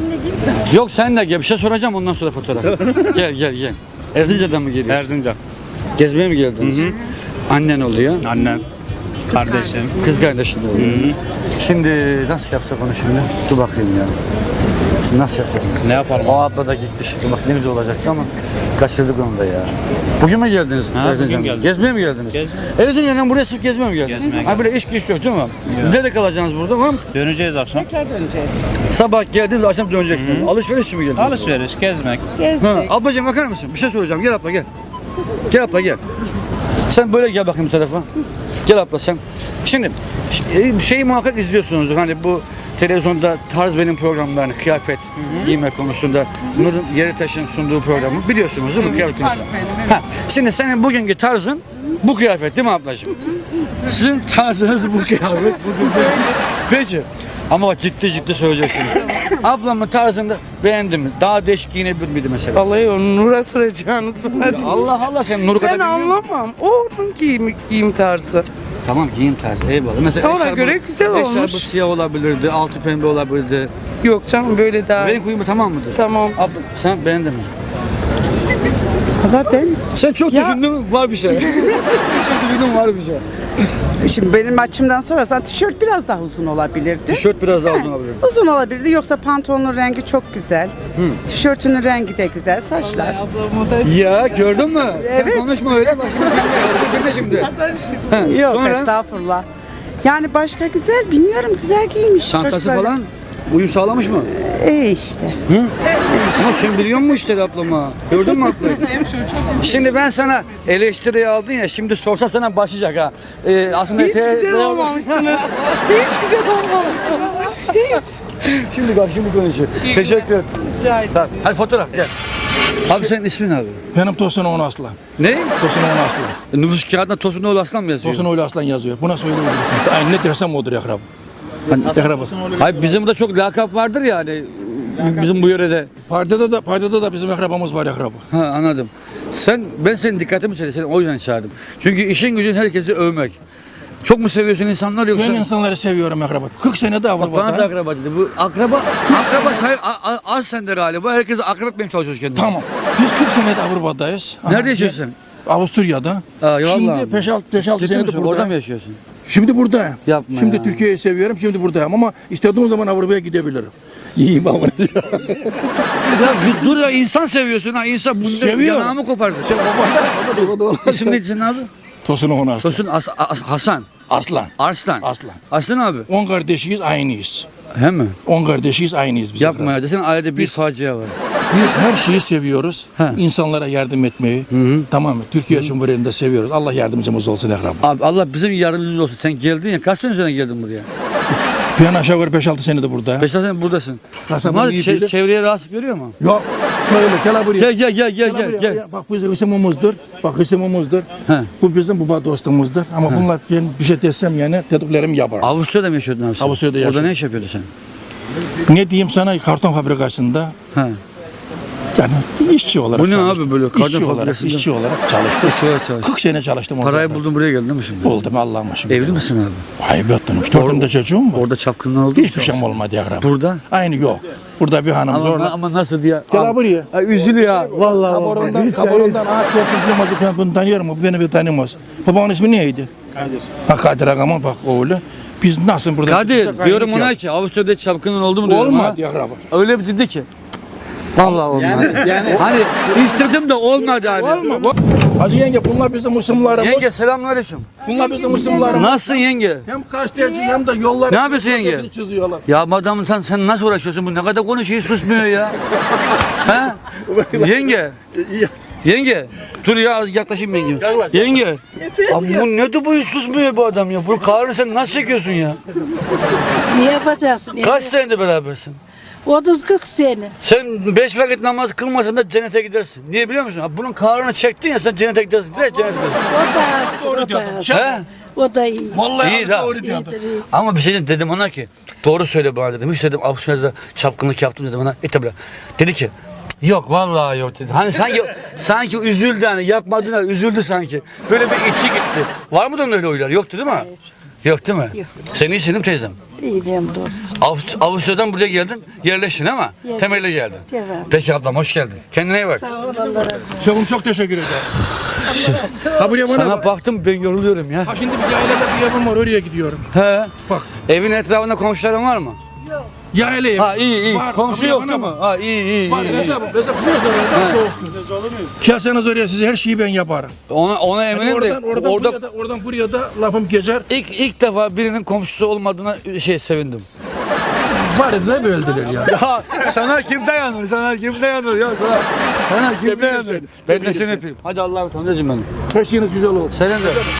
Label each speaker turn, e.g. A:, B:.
A: Senle git.
B: Yok sen de gel. Bir şey soracağım ondan sonra fotoğraf. Gel. Erzincan'dan mı geliyorsun?
C: Erzincan.
B: Gezmeye mi geldiniz? Annen oluyor.
C: Annem. Kardeşim.
B: Kız kardeşin de oluyor. Şimdi nasıl yapsak onu şimdi? Dur bakayım ya. Şimdi nasıl yapsak?
C: Ne yapalım?
B: O abla da gitti şimdi. Bak ne güzel olacaktı ama kaçırdık onu da ya. Bugün mü geldiniz?
C: Ha,
B: Erzincan'a?
C: bugün geldik.
B: Gezmeye mi geldiniz?
C: Gezmeye.
B: Erzincan'dan buraya sırf gezmeye mi geldiniz?
C: Gezmeye
B: Ha böyle iş güç yok değil mi? Nerede kalacaksınız burada? Var mı?
C: Döneceğiz akşam.
A: Tekrar döneceğiz.
B: Sabah geldiniz, akşam döneceksiniz. Alışveriş için mi geldiniz?
C: Alışveriş, gezmek.
A: Gezdik.
B: Ha, ablacığım bakar mısın? Bir şey soracağım. Gel abla gel. Gel abla gel. Sen böyle gel bakayım bu tarafa. Gel abla sen. Şimdi şeyi muhakkak izliyorsunuzdur. Hani bu televizyonda tarz benim programlarını, kıyafet giyme konusunda Nur'un Yeritaş'ın sunduğu programı biliyorsunuz değil mi? Kıyafet
A: Tarz
B: konusunda.
A: benim, evet.
B: Ha, şimdi senin bugünkü tarzın bu kıyafet değil mi ablacığım? Sizin tarzınız bu kıyafet. Bugün böyle. Peki. Ama bak ciddi söyleyeceksiniz. Ablamın tarzını beğendin mi? Daha değişik giyinebilir miydi mesela?
D: Vallahi onu Nur'a soracağınız bana değil.
B: Allah Allah sen Nur'u kadar
D: Ben
B: bilmiyor musun?
D: anlamam. O onun giyim tarzı.
B: Tamam giyim tarzı eyvallah. Mesela
D: Ona
B: eşarbı-
D: göre güzel olmuş.
B: Eşarbı siyah olabilirdi, altı pembe olabilirdi.
D: Yok canım böyle daha.
B: Renk uyumu tamam mıdır?
D: Tamam.
B: Abla sen beğendin mi?
D: Kızlar ben.
B: Sen çok
D: Ya-
B: düşündün var bir şey. Sen çok düşündün var bir şey.
D: Şimdi benim açımdan sorarsan tişört biraz daha uzun olabilirdi.
B: Tişört biraz daha uzun olabilir.
D: Uzun olabilirdi yoksa pantolonun rengi çok güzel. Tişörtünün rengi de güzel. Saçlar.
B: Ya gördün mü?
D: Evet.
B: Sen konuşma öyle bak şimdi. Dinle şimdi.
D: Yok
B: Sonra?
D: estağfurullah. Yani başka güzel bilmiyorum güzel giymiş.
B: Çantası
D: çocuklar.
B: falan uyum sağlamış mı?
D: İşte.
B: Ama sen biliyor musun işte ablama? Gördün mü ablayı? Şimdi ben sana eleştiriyi aldın ya şimdi sorsam sana başlayacak ha. Aslında
D: Hiç güzel olmamışsınız. Hiç güzel olmamışsınız. Hiç.
B: Şimdi bak şimdi konuşuyor. Teşekkür ederim.
D: Rica ederim.
B: Tamam. Hadi fotoğraf gel. Abi senin ismin abi?
E: Benim Tosunoğlu Aslan.
B: Ne?
E: Tosunoğlu Aslan.
B: Nüfus kağıdında Tosunoğlu Aslan mı yazıyor?
E: Tosunoğlu Aslan yazıyor. Buna söylüyorum. Aynı ne dersem odur yakrab. Yakrab.
B: Hayır bizim burada çok lakap vardır ya hani bizim bu yörede.
E: Paydada da bizim yakrabamız var yakrab.
B: Ha anladım. Ben senin dikkatimi çekti. Seni o yüzden çağırdım. Çünkü işin gücün herkesi övmek. Çok mu seviyorsun insanlar yoksa?
E: Ben insanları seviyorum yakrab. 40 senede
B: Bak bana da
E: Avrupa'da.
B: akraba dedi. Bu akraba az sende galiba. Herkes akraba etmeye çalışıyor kendini.
E: Tamam. Biz 40 senede Avrupa'dayız.
B: Nerede yaşıyorsun sen?
E: Avusturya'da.
B: Aa,
E: Şimdi
B: vallahi.
E: 5-6
B: Ciddi
E: senedir
B: misin?
E: buradayım.
B: Orada mı yaşıyorsun?
E: Şimdi buradayım.
B: Yapma
E: Şimdi
B: ya.
E: Türkiye'yi seviyorum. Şimdi buradayım ama istediğim zaman Avrupa'ya gidebilirim. İyiyim ama.
B: Ya bir dur ya insan seviyorsun ha insan.
E: Seviyor.
B: Yanağımı kopardı.
E: Sen babandan.
B: İsim neydi senin abi?
E: Tosunoğlu Aslan.
B: Tosun Hasan.
E: Aslan.
B: Arslan.
E: Aslan.
B: Aslan abi.
E: 10 kardeşiyiz aynıyız.
B: He mi?
E: 10 kardeşiyiz aynıyız biz.
B: Yapma ya desene ailede bir facia var.
E: Biz her şeyi seviyoruz.
B: He.
E: İnsanlara yardım etmeyi. Tamam mı? Türkiye Cumhuriyeti'nde seviyoruz. Allah yardımcımız olsun Ekrem.
B: Abi Allah bizim yardımcımız olsun. Sen geldin ya kaç sene sonra geldin buraya?
E: Ben aşağı yukarı 5-6 senedir burada.
B: 5 sene buradasın.
E: Kasabın
B: Bunlar
E: iyi bilir.
B: çevreye rahatsız görüyor mu?
E: Yok. Şöyle gel buraya.
B: Gel.
E: Bak bu bizim isimimizdir. Bak isimimizdir.
B: He.
E: Bu bizim baba dostumuzdur. Ama bunlar ben bir şey desem yani dediklerimi yapar.
B: Avusturya'da mı yaşıyordun abi sen?
E: Avusturya'da
B: Orada
E: yaşıyorum.
B: ne iş yapıyordun sen?
E: Ne diyeyim sana karton fabrikasında
B: He.
E: yani işçi olarak
B: Bu ne
E: çalıştım.
B: abi böyle karton
E: işçi olarak,
B: fabrikasında?
E: işçi olarak çalıştım.
B: Çalış.
E: 40 sene çalıştım orada.
B: Parayı buldun buraya geldin mi şimdi?
E: Buldum Allah'ıma şükür.
B: Evli misin abi?
E: Hayır yaptım. 3 tane çocuğum var.
B: Orada çapkınlar oldu mu?
E: Hiçbir şeyim olmadı ya.
B: Burada?
E: Aynı yok. Burada bir hanım zorla.
B: Ama nasıl diye?
E: Gel buraya.
B: Ay, üzülüyor ya. Vallahi.
E: Kaborondan ağaç diyorsun bilmez ben bunu tanıyorum mu? Beni bir tanımaz. Babanın ismi neydi? Kadir. Ha Kadir Ağam'ın bak oğlu. Biz nasıl burada?
B: Kadir diyorum ona ki Avusturya'da çapkınlar oldu mu diyorum ha.
E: Olmadı ya akraba.
B: Öyle bir dedi ki. Vallahi olmadı. Yani hani istedim de olmadı abi.
E: Olma. Hacı yenge bunlar bizim ısımlarımız.
B: Yenge selamünaleyküm.
E: Bunlar bizim ısımlarımız.
B: Nasılsın yenge?
E: Hem gazeteci hem de yolları.
B: Ne yapıyorsun yenge?
E: Çiziyorlar.
B: Ya madam sen nasıl uğraşıyorsun? Bu ne kadar konuşuyor susmuyor ya. ha? Yenge. Yenge. Dur ya yaklaşayım yenge. Yenge. Abi bu ne bu hiç susmuyor bu adam ya. Bu kahrını sen nasıl çekiyorsun ya?
F: Ne yapacaksın?
B: Kaç senedir berabersin?
F: 30-40 sene.
B: Sen 5 vakit namaz kılmasan da cennete gidersin. Niye biliyor musun? Abi bunun kahrını çektin ya sen cennete gidersin. Direkt cennete gidersin.
F: O da hasta, o da hasta.
B: He?
F: O da iyi.
E: Vallahi
B: İyi de.
E: doğru diyor.
F: İyidir, iyi.
B: Ama bir şey dedim ona ki doğru söyle bana dedim. Hiç dedim Avusturya'da çapkınlık yaptım dedim ona. Tabi. Dedi ki yok vallahi yok dedi. Hani sanki üzüldü hani yapmadığına üzüldü sanki. Böyle bir içi gitti. Var mı da öyle oylar? Yoktu değil mi? Yok değil mi?
F: Yok.
B: Sen iyisin değil mi teyzem?
F: İyi benim doğrusu.
B: Avusturya'dan buraya geldin, yerleştin ama
F: Yerleştim.
B: temelle geldin.
F: Devam.
B: Peki ablam hoş geldin. Kendine iyi bak.
F: Sağ ol Allah razı olsun.
E: Şefim çok teşekkür ederim. Ha buraya bana
B: Sana
E: bak.
B: baktım ben yoruluyorum ya.
E: Ha şimdi bir yaylada bir evim var oraya gidiyorum.
B: He.
E: Bak.
B: Evin etrafında komşuların var mı?
E: Yayla ev.
B: Ha iyi.
E: Var,
B: Komşu
E: buraya
B: yok
E: bana
B: değil mi?
E: bak.
B: Ha iyi.
E: Var Recep biliyoruz orada soğuksun. Gelseniz oraya size her şeyi ben yaparım.
B: Ona
E: Yani
B: eminim de
E: oradan buraya da lafım geçer.
B: ilk defa birinin komşusu olmadığına sevindim.
E: Var da böldüler ya.
B: Ya sana kim dayanır? Sana kim dayanır ya sana kim dayanır? Ben de seni öpeyim. Hadi Allah'a emanet olun benim.
E: Her şeyiniz güzel olsun.
B: Senin de.